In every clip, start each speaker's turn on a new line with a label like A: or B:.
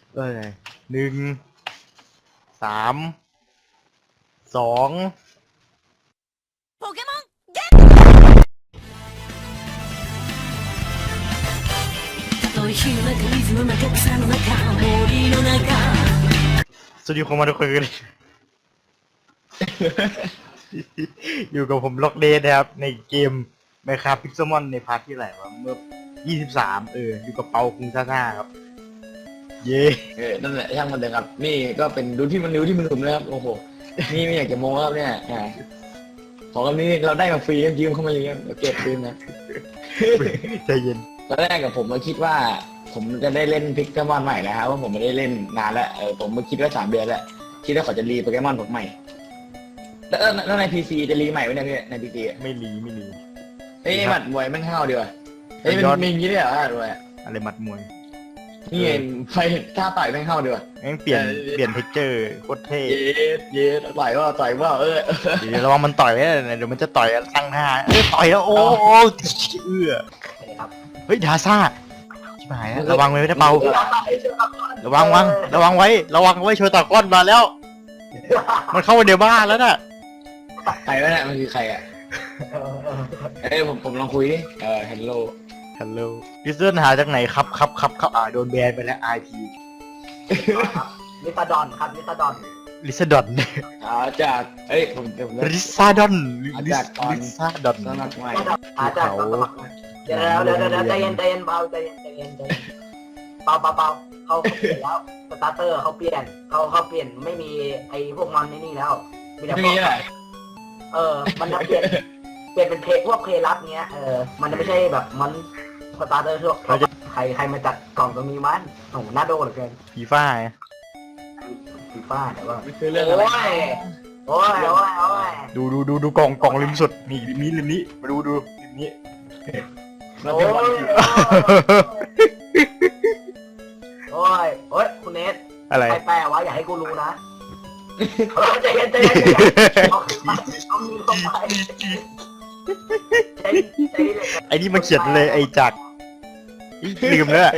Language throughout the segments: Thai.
A: 1 3 2
B: ポケモンゲット開くリズムの草の中森の中
A: สวัสดีคนมาทุกคนกัน อยู่กับผมล็อกเดย์นะครับในเกม Minecraft Pixelmon ในพาร์ทที่ไหนวะเมื่อ23อยู่กับเปาคุงซ่าครับเย่
C: นั่นแหละช่างมันเถอะครับนี่ก็เป็นดูที่มันนิ้วที่มันหลุมนะครับโอ้โหนี่ไม่อยากจะโม้ครับเนี่ยของอันนี้เราได้มาฟรียืมเข้ามาเลยครับเดี๋ยวเก็บคืนนะ
A: ใจเย็น
C: ตอนแรกกับผมก็คิดว่าผมจะได้เล่นพิกเกมอนใหม่นะครับว่าผมไม่ได้เล่นนานแล้วผมก็คิดว่า3 เดือนแล้วคิดว่าเขาจะรีโปเกมอนผมใหม่แล้วใน PC จะรีใหม่ไว้ใน PC
A: ไม่รี
C: เอ้ยหมัดมวยมันเข้าดีกว่าเอ้ยมันมีอย่างนี้ด้วยเหรอหมัดมวย
A: อะไรหมัดมวย
C: นี่ไฟท่าต่อยมันเข้าดีกว่า
A: แม่งเปลี่ยนเทคเจอร์โคตรเท่
C: เย็ดต่อยว่า
A: เดี๋ยวระวังมันต่อยไว้นะเดี๋ยวมันจะต่อยตั้งหน้าต่อยแล้วโอ้เฮ้ยดาซ่าชิบหายแล้วระวังไว้นะเปาระวังไว้ระวังไว้โชว์ตะก้อนมาแล้ว มันเข้ามาเดี๋ยวบ้านแล้วน่ะ
C: ใครวะเนี่ยมันคือใครอ่ะผมลองคุยดิฮัลโหล
A: ดิสเซนหาจากไหนครับโดนแบนไปแล้ว IP
D: ลิซาดอนครับลิซาดอน
A: ลิซาดอน
C: จากผม
A: ลิซาดอน
C: สมัครใหม่
D: อาจจะเดี๋ยวใจเย็นเบาใจเย็นเบาเขาเปลี่ยนแล้วสตาร์เตอร์เขาเปลี่ยนเขาเปลี่ยนไม่มีไอ้พวกมันนี่แล้วมีแต่
C: ไม่มีอะไร
D: มันจะเปลี่ยนเป็นเพลพวกเพลรับเงี้ยมันจะไม่ใช่แบบมันสตาร์เตอร์ทั่วใครมาจัดกล่องตรงนี้มันโอ้โหน่าโดนเหลือเกิน
A: ฟีฟ่า
D: ฟีฟ่าแต่ว่า
C: ไม่คือเรื่องอะไร
D: โอ้ย
A: ดูกล่องริมสุดนี่ริมนี้มาดูริมนี้
C: มันเป็นวันที่
D: โอ้ยคุณเนท
A: อะไร
D: ใครแปลวะอย่าให้กูรู้นะใจเย็นเอามือเข้าไป
A: ไอ้นี่มันเขียนเลยไอ้จักรลืมแล้ว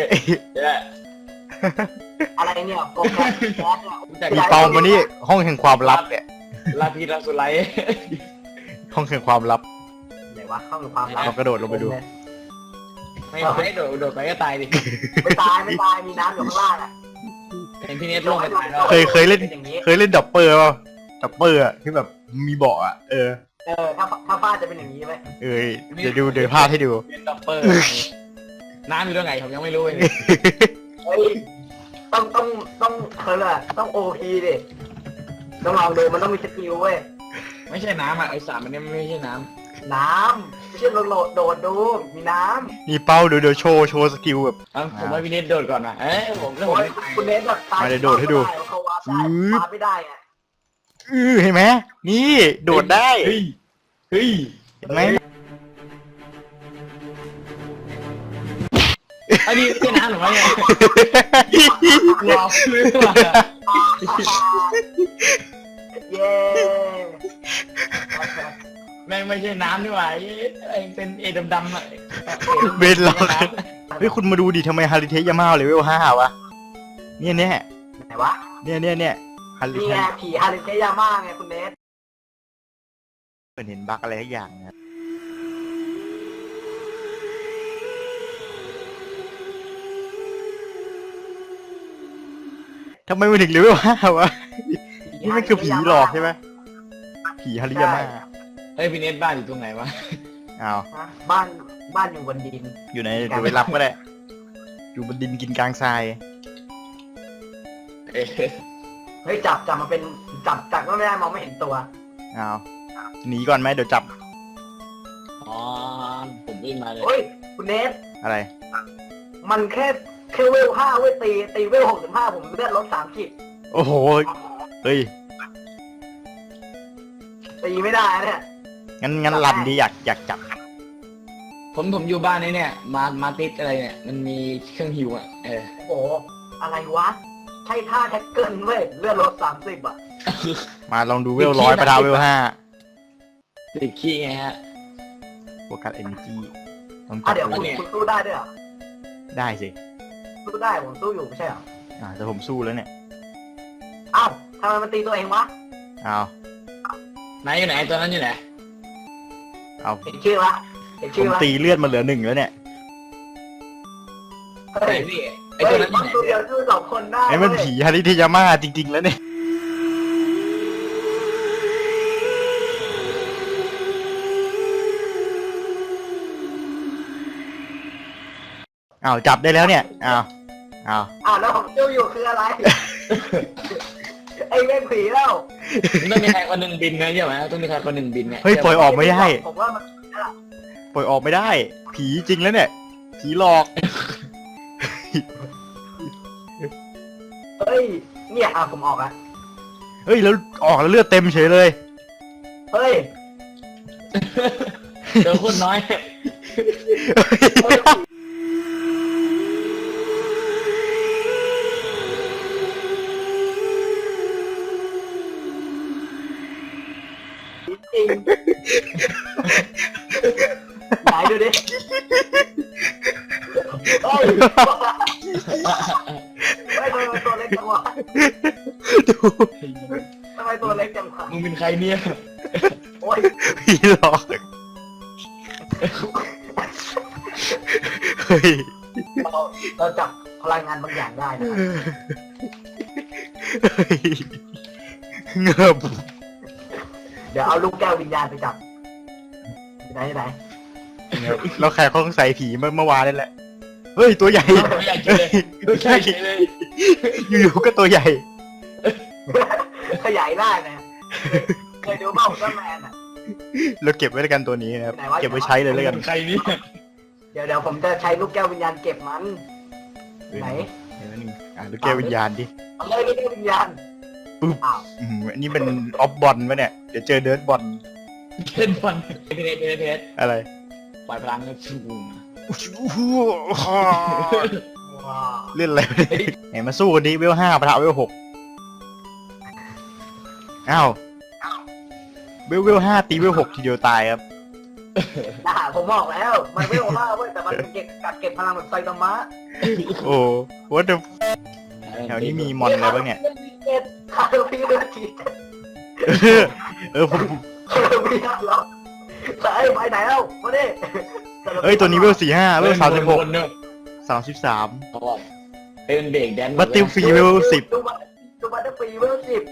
D: อะไรเนี่ยโปรแกรมเนี่ย
A: มีเปามานี่ห้องแห่งความลับเนี่ย
C: ลาพีลาสุไล
A: ห้องแห่งความลับ
D: ไหนวะเข้าในความลับ
A: เรากระโดดลงไปดู
C: ไม่โดดไปก็ตายดิ
D: ไม่ตายมีน้ำอยู่ข้างล่างอ่ะ
C: เห็นพี่เนทลงไปตายแล้ว
A: เคยเล่นดับเปอร์ป่ะดับเปอร์อะที่แบบมีเบาะอะ
D: ถ้าฟาดจะเป็นอย่างนี้ไหม
A: เดี๋ยวพาดให้ดู
C: เป็นดับเปอร์น้ำอยู่ตรงไหนผมยังไม่รู้เลย
D: เฮ้ยต้องเขาเลยต้องโอพีดิต้องลองดูมันต้องมีสกิลเว้ย
C: ไม่ใช่น้ำอ่ะไอ้สารมันเนี่ยไม่ใช่น้
D: ไม่ใช่โดดดูมีน้ำ
A: นี่เป้าเดี๋ยวโชว์สกิลแบบ
C: ำผมว่าพี่เนทโดดก่อนนะผมเรื่อง
D: โอ้
C: ผม
D: ยคุณเนทแบบตายเขาวาดไม่ได้ไง
A: เห็นไหมนี่โดดได้
C: เฮ้ย
A: เห็นไหม
C: อันนี้เป็นน้ำหรือไม่เนี่ยรอซื้อมา
D: เย้
C: แม่งไม่ใช่น้ำนี่หว่าเป็นดำๆอ่ะ
A: เบนล็อกเฮ้ยคุณมาดูดิทำไมฮาริเทยามาเลเวล5วะเนี่ย
D: ไหนวะ
A: ฮาริ
D: นี่
A: เท
D: ไงผีฮาริเทยาม่าไงคุณเนท
A: เห็นบั๊กอะไรทุกอย่างนะทำไมมันถึงเลเวล5วะนี่มันคือผีหลอกใช่ไหมผีฮาริยาม่า
C: เฮ้ยพี่เนทบ้านอยู่ตรงไหนวะ
A: อ้าว
D: บ้านอยู่บนดิน
A: อยู่ไหนเดี๋ยวไปรับก็ได้อยู่บนดินกินกลางทราย
D: เฮ้ยจับมาเป็นจับก็ไม่ได้มองไม่เห็นตัว
A: อ้าวหนีก่อนไหมเดี๋ยวจับ
C: อ๋อผมวิ่งมาเลย
D: เฮ้ยคุณเนท
A: อะไร
D: มันแค่เวล5เว้ยตีเวล65ผมเลือดลด30
A: โอ้โหเฮ้ย
D: ตีไม่ได้เนี่ย
A: งั้นรันดีอยากจับ
C: ผมอยู่บ้านนี้เนี่ยมาติดอะไรเนี่ยมันมีเครื่องหิวอ่ะ
D: โอ้โหอะไรวะใช่ท่าแท็กเกิลเว้ยเลือดลด30อ่ะ
A: มาลองดูเวล100ประดาวเวล5
C: ติดขี้ไงฮะ
A: โฟกัสเอเนจีต้องจับ
D: เดี๋ยว
A: ดู
D: คุณสู้ได้ด้วยเหรอ
A: ได้สิ
D: สู้ได้ผมสู้อยู่ไม่ใช่เหรอ
A: แต่ผมสู้แล้วเนี่ย
D: เอ้าทำไมมันตีตัวเองวะ
A: เอา
C: ไหนอยู่ไหนตัวนั้นอยู่ไหน
A: เอา
D: เห็นชื่อวะเห็น
A: ผ
D: ชื่อ
A: ม
D: วะ
A: ตีเลือดมาเหลือ 1แล้วเนี่ย
D: เฮ้
C: ไหน
D: ย
C: พี่ไอ
D: เฮ้
C: ตัวย นั้นอ
D: มั
C: ยู่
D: น
C: ไหน
D: ตัวเดียวสู้2 คนได้
A: ไอ้มัน
D: เว้ย
A: ผีฮาริเทยาม่าจริง ๆ แล้วเนี่ย อ้าวจับได้แล้วเนี่ย อ้าว
D: แล้วผมจู้อยู่คืออะไร ไอ้เล่นผีแล้ว
C: ต้องมีใครคนหนึ่งบินนะใช่ไหมต้องมีใครคนหนึ่งบินเนี่ย
A: เฮ้ยปล่อยออกไม่ได้
D: ผมว่ามัน
A: ปล่อยออกไม่ได้ ผีจริงแล้วเนี่ย ผีหลอก
D: เฮ้ยเนี่ยผมออกอะ
A: เฮ้ยแล้วออกแล้วเลือดเต็มเฉยเลย
D: เฮ้ย
C: เจอคนน้อย
D: จริงไหนดูดิเฮ้ยทำไมตัวเล็กจังวะ
A: ดู
D: ทำไมตัวเล็กจังวะ
C: มึงเป็นใครเนี่ย
D: โอ้ย
A: ผีหลอก เฮ้ย
D: เราจับพลังงานบางอย่างได้นะครับ
A: เฮ้ยเงือบ
D: เดี๋ยวเอาลูกแก้ววิญญาณไปจับไหน
A: เราแขกเขาต้องใส่ผีเมื่อวานนี่แหละ เฮ้ยตัวใหญ่
C: ไม่อยากกินเลยไม่ใช่เลย
A: อยู่ๆก็ตัวใหญ่
D: ขยายได้นะเคยดูบ้าอุลตร้าแมนอ่ะ
A: เราเก็บไว้แล้วกันตัวนี้นะครับ
D: ไหนวะ
A: เก็บไว้ใช้เลยแล้วกัน
C: ใครเนี่ย
D: เดี๋ยวผมจะใช้ลูกแก้ววิญญาณเก็บมันไหน
A: เดี๋ยวนึงลูกแก้ววิญญาณดิ
D: เอาเลยลูกแก้ววิญญาณ
A: ปึ๊บ
D: อ้าว
A: อันนี้เป็นออฟบอลวะเนี่ย เดี๋ยวเจอเดิร์ดบอล
C: เล่นบอลเพชร
A: อะไร
C: ปล่อยพลังเลยฟู
D: ว้าว
A: เล่นอะไรวะเนี่ยไหนมาสู้กันดิเวล5ปะทะเวล6อ้าวเวล5ตีเวล6ทีเดียวตายครับ
D: ผมบอกแล้วมันไม่โอล่าเว้ยแต่มันเก็บพลังแบบไซตามะ
A: โอ้โหแถวนี้มีมอนอะไรบ้างเนี่ย
D: เก็บคาร์บีเลือดที
A: ผม
D: คาร์บีเหรอไปไหนแล้วมาดิ
A: เอ้ยตัวนี้เวล45เวล36
C: เนอะ
A: 33
C: เขาบอกเป็นเบรกแดน
A: บัตติลฟรีเวล10
D: ดูบัตเตอร์ฟรีเวล10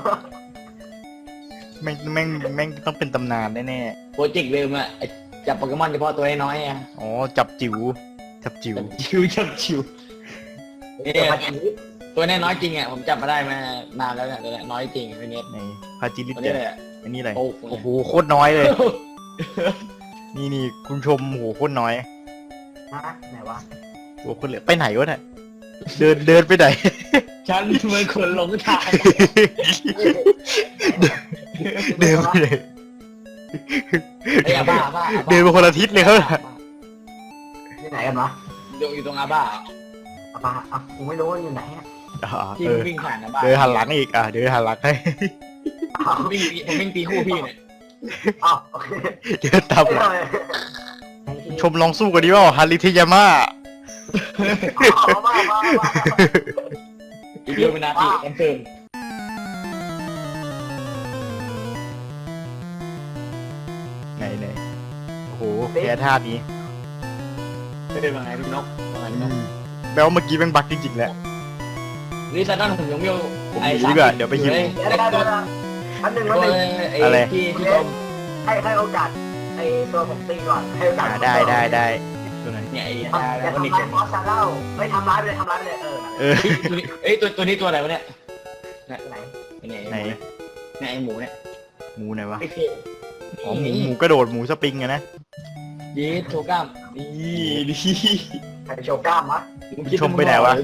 A: แม่งต้องเป็นตำนานแน่
C: โปรเจกต์เดิมอะจับโปเกมอนเฉพาะตัวน้อยๆอะ
A: ๆอ๋อจับจิ๋วจับจิ๋ว
C: จับชิวตัวนี้น้อยจริงอะผมจับมาได้มานานแล้วเนี่ยตัวนี้น้อยจริงตัวนี้
A: ในพาจิลิ
C: ตัว
A: เต
C: นี้เลย
A: อันนี้อะไร
C: โอ้
A: โอ้โหโคตรน้อยเลย นี่คุณชมโหโคตรน้อย
D: ไหนวะ
A: โอ้คนเหลือไปไหนวะเนี่ยเดินไปไหน
C: ฉันเหมือนคนหลงทาง
A: เดินไปไหน
C: ไอ้อาบ้า
A: เดินไปคนละทิศเลยเขา
D: ที่ไหนกันวะ
C: อยู่ตรงอาบ้า
D: ป้ากูไม่รู้ว่าอยู่ไหนอ่ะ
C: ที่วิ่งผ่านอาบ้า
A: เดินหันหลังอีกเดินหันหลังให้
C: ผมวิ่งตีคู่พี่เนี่ย
D: โอเค
A: เดินตามหลังชมลองสู้กันดิว่าฮาริเทยาม่า
D: มา
C: อีกเรื่องนาทีคอนเฟิร์ม
A: ไหนโอ้โหแพ้ท่านี้
C: เป็นยังไงพี่นกว่าไงพี่นก
A: แปลว่าเมื่อกี้แม่งบักจริงๆแหละ
C: ลิซ่าด้านผมยังไม่
A: ผมหนีดีกว่าเดี๋ยวไปหิว
C: ตัว
D: อันหนึ่ง
A: อะไร
C: ที่ชม
D: ให้โอกาสไอ้ตัวผมตีก่อนให้โอกาส
A: ได้ตัวไหน
C: เนี่ยไอ้
D: อย่า
C: ตาแล้วก็
D: ทำ
C: นี่
D: ร้ายบอสซาเล่าไม่ทำร้ายไปเลย
A: เออ
C: ตัวนี้ตัวอะไรวะเนี่ย
D: ไหน
A: ไหน
C: เนี่ยไอ้หมูเนี่ย
A: หมูไหนวะ
C: ไอ้เค
A: อ๋อหมูกระโดดหมูสปริงอะนะ
C: ยีโชก้ามนี่ดิ
D: ใครโชว์กล้ามวะ
A: ชมไปไหนวะ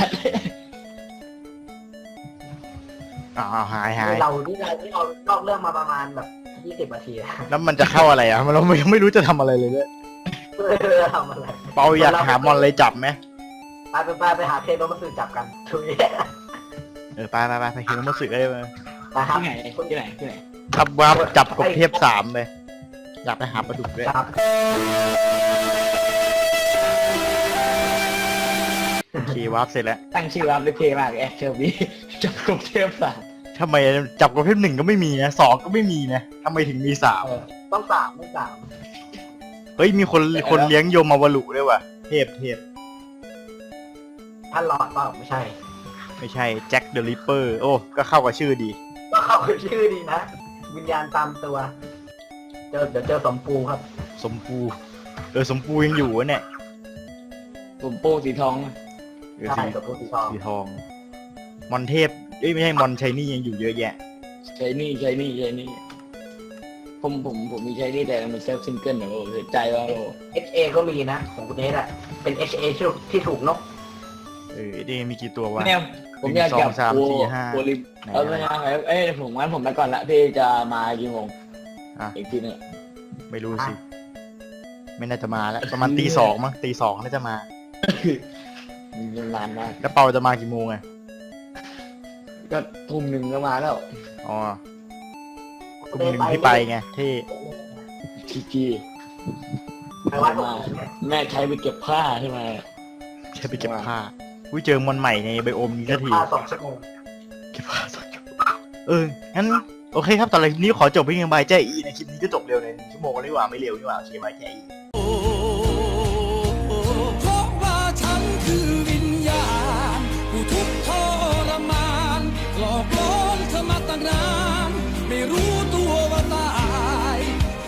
A: อ๋อหาย
D: เรานอกเรื่องมาประมาณแบบ20 นาที
A: แล้วมันจะเข้าอะไรอ่ะเรายังไม่รู้จะทำอะไรเลยเนี่ย
D: ทำอะไร
A: เปาอยากหามอนเลยจับไหม
D: ไปหาเทโนมัสึจับกันทุย
A: ไปเห็นมาสึกได้ไหม
D: นะครับ
C: ที่ไหน
A: ครับว่าจับกบเทพ3เลยอยากไปหาปลาดุกด้วย
D: ครับ
A: เควาร์ปเสร็จแล้ว
C: ตั้งชื่อว่าด้วยเทมากแอคเทอร์บีจับกบเทพศาสตร์
A: ทำไมจับประเภทหนึ่งก็ไม่มีนะสองก็ไม่มีนะทำไมถึงมีสาม
D: ต้องสามต้องสาม
A: เฮ้ยมีคนเลี้ยงโยมาวารุด้วยว่ะเทพ
D: ท่านหลอดเปล่าไม่ใช่
A: ไม่ใช่แจ็คเดอะริปเปอร์โอ้ก็เข้ากับชื่อดี
D: ก็เข้าไปชื่อดีนะ วิญญาณตามตัว เดี๋ยวเจอสมปูครับ
A: สมปูสมปูยังอยู่วะเนี่ย
C: ผมโป้สีทอง
D: ใช่สมปูสีทอง
A: สีทองมอนเทพเอ้ยไม่ใช่มอนชัยนี่ยังอยู่เยอะแยะ
C: ใช้นี่ผมมีใช้นี่แต่มันเซฟซิงเกิลนะโอ้เสียใจว่าโอ้
D: HA ก็มีนะของคุณเนสอะเป็น HA ที่ถูกนก
A: นี่มีกี่ตัววะ
C: เนี่ยผมอยากจับ
A: 1 2 3 4 5
C: โลิม
A: ไหน
C: ไม่ใช่ผมไปก่อนละพี่จะมากี่โมง
A: อ่ะ
C: อีกทีนึง
A: ไม่รู้สิ ไม่น่าจะมาแล้วประมาณตีสองมั้งตีสองน่าจะมา
C: มันนานมาก
A: แล้วเปาจะมากี่โมงไง
C: ก็ทุ่มหนึ่งก็มาแล้ว
A: อ๋อกุมหนึ่งที่ไปไงที่
C: ที
D: ไปวัดผม
C: แม่ใช้ไปเก็บผ้าใช่ไหม
A: ใช่ไปเก็บผ้าอุ้ยเจอมอนใหม่ในไบโอมนี้
D: เก็
A: สั
D: บ
A: กที
D: ผ้า2 ชั่วโมง
A: เก็บผ้าสักทีงั้นโอเคครับตอนนี้ขอจบเพียงบายแจ้อีในคลิปนี้ก็จบเร็วใน1 ชั่วโมงแล้วดีกว่าไม่เร็วดีกว่าโอเคบายแจ้อี